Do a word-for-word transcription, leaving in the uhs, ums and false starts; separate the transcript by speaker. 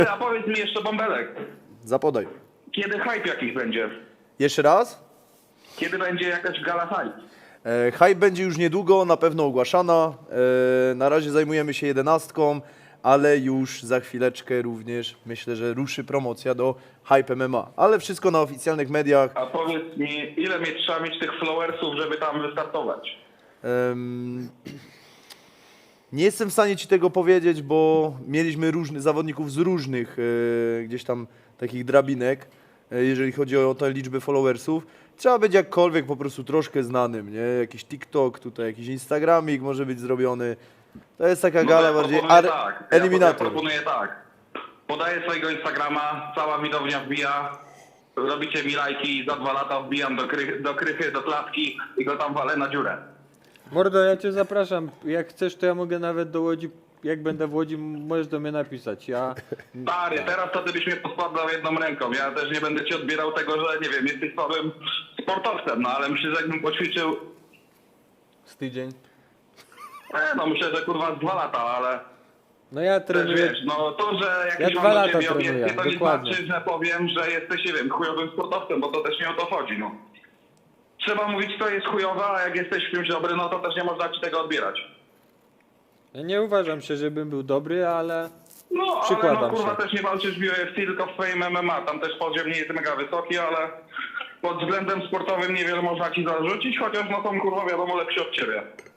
Speaker 1: A powiedz mi jeszcze, Bąbelek,
Speaker 2: Zapodaj.
Speaker 1: kiedy hype jakiś będzie?
Speaker 2: Jeszcze raz?
Speaker 1: Kiedy będzie jakaś gala hype?
Speaker 2: E, hype będzie już niedługo, na pewno ogłaszana. E, na razie zajmujemy się jedenastką, ale już za chwileczkę również myślę, że ruszy promocja do Hype M M A. Ale wszystko na oficjalnych mediach.
Speaker 1: A powiedz mi, ile mieć, trzeba mieć tych followersów, żeby tam wystartować?
Speaker 2: Em, nie jestem w stanie Ci tego powiedzieć, bo mieliśmy różnych zawodników z różnych e, gdzieś tam takich drabinek, e, jeżeli chodzi o te liczby followersów. Trzeba być jakkolwiek po prostu troszkę znanym, nie? Jakiś TikTok, tutaj jakiś Instagramik może być zrobiony. To jest taka
Speaker 1: No
Speaker 2: gala
Speaker 1: ja
Speaker 2: bardziej
Speaker 1: proponuję
Speaker 2: ar-
Speaker 1: tak. Ja,
Speaker 2: eliminator.
Speaker 1: ja proponuję tak. Podaję swojego Instagrama, cała widownia wbija, robicie mi lajki i za dwa lata wbijam do, kry, do krychy, do klatki i go tam walę na dziurę.
Speaker 3: Mordo, ja cię zapraszam. Jak chcesz, to ja mogę nawet do Łodzi, jak będę w Łodzi, możesz do mnie napisać. Ja...
Speaker 1: Stary, teraz to ty byś mnie poskładał jedną ręką. Ja też nie będę ci odbierał tego, że nie wiem, jesteś słabym sportowcem, no ale myślę, że jakbym poćwiczył,
Speaker 3: Z tydzień.
Speaker 1: e, no myślę, że kurwa z dwa lata, ale
Speaker 3: No ja
Speaker 1: też
Speaker 3: trenuję.
Speaker 1: wiesz, no to, że
Speaker 3: Ja
Speaker 1: jakieś
Speaker 3: dwa
Speaker 1: mam do
Speaker 3: lata
Speaker 1: ciebie
Speaker 3: trenuję,
Speaker 1: obiekcje, to nie
Speaker 3: dokładnie.
Speaker 1: znaczy, że powiem, że jesteś, nie wiem, chujowym sportowcem, bo to też nie o to chodzi, no. Trzeba mówić, kto jest chujowy, a jak jesteś w czymś dobry, no to też nie można ci tego odbierać.
Speaker 3: Ja nie uważam się, żebym był dobry, ale
Speaker 1: No, ale
Speaker 3: Przykładam
Speaker 1: no kurwa
Speaker 3: się.
Speaker 1: też nie walczysz w U F C, tylko w swoim M M A. Tam też poziom nie jest mega wysoki, ale pod względem sportowym niewiele można ci zarzucić, chociaż no są kurwa wiadomo lepsi od ciebie.